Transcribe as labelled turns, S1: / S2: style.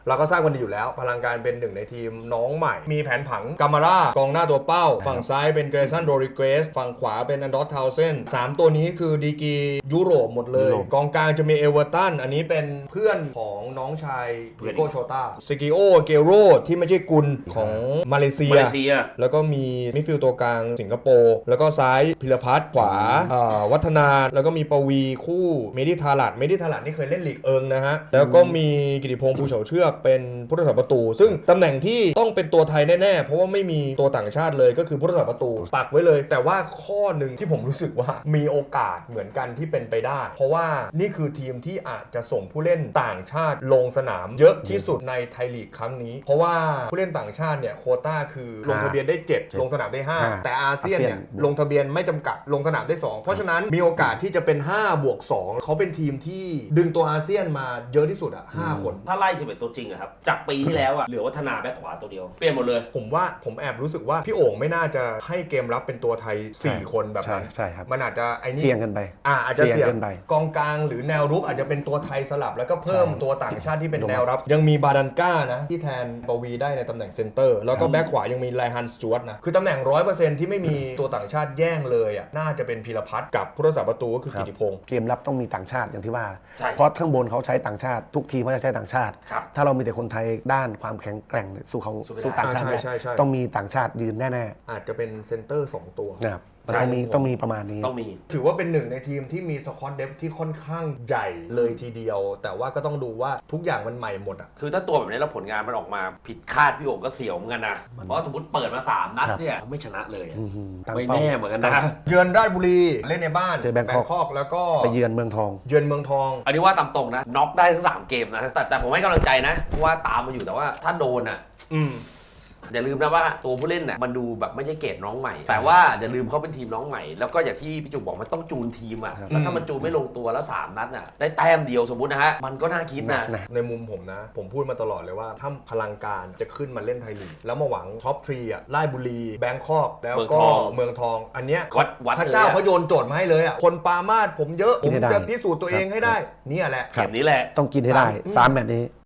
S1: เราก็ทราบกันดีอยู่แล้วพลังการเป็นหนึ่งในทีมน้องใหม่มีแผนผังกามาร่ากองหน้าตัวเป้าฝั่งซ้ายเป็นเกรซันโรริเกสฝั่งขวาเป็นอันดอสทาวเซน3ตัวนี้คือดีกรียุโรปหมดเลยกองกลางจะมีเอเวอร์ตันอันนี้เป็นเพื่อนของน้องชายดิโกโชตาซิกิโอเกโรที่ไม่ใช่กุลของมาเลเซียแล้วก็มีมิดฟิลด์ตัวกลางสิงคโปร์แล้วก็ซ้ายพิรพัฒน์ขวาวัฒนาแล้วก็มีปวีคู่เมดิทาลัดนี่เคยเล่นลีกเอิงนะฮะแล้วก็มีกิติพงษ์ภูเฉาเชือกเป็นผู้รักษาประตูซึ่งตำแหน่งที่ต้องเป็นตัวไทยแน่ๆเพราะว่าไม่มีตัวต่างชาติเลยก็คือผู้รักษาประตูปักไว้เลยแต่ว่าข้อหนึ่งที่ผมรู้สึกว่ามีโอกาสเหมือนกันที่เป็นไปได้เพราะว่านี่คือทีมที่อาจจะส่งผู้เล่นต่างชาติลงสนามเยอะที่สุดในไทยลีกครั้งนี้เพราะว่าผู้เล่นต่างชาติเนี่ยโควต้าคือลงทะเบียนได้7ลงสนามได้5แต่อาเซียนเนี่ยลงทะเบียนไม่จำกัดลงสนามได้2เพราะฉะนั้นมีโอกาสที่จะเป็น5+2เขาเป็นทีมที่ดึงตัวอาเซียนมาเยอะที่สุดอ่ะ5คน
S2: ถ้าไล่11ตัวจริงอะครับจากปีที่แล้วอะเหลือวัฒนาแบ็คขวาตัวเดียวเปลี่ยนหมดเลย
S1: ผมแอบรู้สึกว่าพี่โอ่งไม่น่าจะให้เกมรับเป็นตัวไทย4คนแบบนั้น
S3: ใช่ครับ
S1: มันอาจจะไอ้นี่
S3: เสี่ยงกันไป
S1: อาจจะเสี่ยงกันไปกองกลางหรือแนวรุกอาจจะเป็นตัวไทยสลับแล้วก็เพิ่มตัวต่างชาติที่เป็นแนวรับยังมีบาดันก้านะที่แทนปวีได้ในตำแหน่งเซนเตอร์แล้วก็แบ็คขวายังมีไลฮันสจวตนะคือตำแหน่ง 100% ที่ไม่มีตัวต่างชาติแย่งเลยอ่ะน่าจะเป็นพีรพัฒน์กับผู้รักษาประตูก็คือกิติพงษ์
S3: เกมรับต้องมีต่างชาติอย่างที่ว่าเพราะข้างบนเขาใช้ต่างชาติทุกทีมเขาจะใช้ต่างชาติถ้าเรามีแต่คนไทยด้านความแข็งแกร่งสู้ต่างชาติต้องมีต่างชาติยืนแน่
S1: ๆอาจจะเป็นเซนเตอร์2ตัว
S3: นะครับต้องมีประมาณนี้
S2: ต้องมี
S1: ถือว่าเป็นหนึ่งในทีมที่มีสควอตเดฟที่ค่อนข้างใหญ่เลยทีเดียวแต่ว่าก็ต้องดูว่าทุกอย่างมันใหม่หมดอ่ะ
S2: คือถ้าตัวแบบนี้แล้วผลงานมันออกมาผิดคาดพี่โอ่งก็เสียวเหมือนกันนะเพราะสมมติเปิดมา3นัดเนี่ยไม่ชนะเลยไม่แน่เหมือนกันนะ
S1: เยือนราชบุรีเล่นในบ้าน
S3: เจอแบงคอก
S1: แล้วก็
S3: ไปเยือนเมืองทอง
S2: อันนี้ว่าตามตรงนะน็อกได้ทั้ง3เกมนะแต่ผมให้กำลังใจนะเพราะว่าตามมาอยู่แต่ว่าถ้าโดนอ่ะอย่าลืมนะว่าตัวผู้เล่นน่ะมันดูแบบไม่ใช่เกรดน้องใหม่แต่ว่าอย่าลืมเขาเป็นทีมน้องใหม่แล้วก็อย่างที่พี่จุกบอกมันต้องจูนทีมอ่ะแล้วถ้ามันจูนไม่ลงตัวแล้ว3นัดน่ะได้แต้มเดียวสมมุตินะฮะมันก็น่าคิดนะ
S1: ในมุมผมนะผมพูดมาตลอดเลยว่าถ้าพลังการจะขึ้นมาเล่นไทยลีกแล้วมาหวังท็อป3อ่ะราชบุรีแบงคอกแล้วก็เมืองทองอันเนี้ยพระเจ้าเขาโยนโจทย์มาให้เลยอ่ะคนปามาดผมเยอะผมจะพิสูจน์ตัวเองให้ได้นี่แหละ
S2: เกมนี้แหละ
S3: ต้องกินให้ได้3แมตช์นี้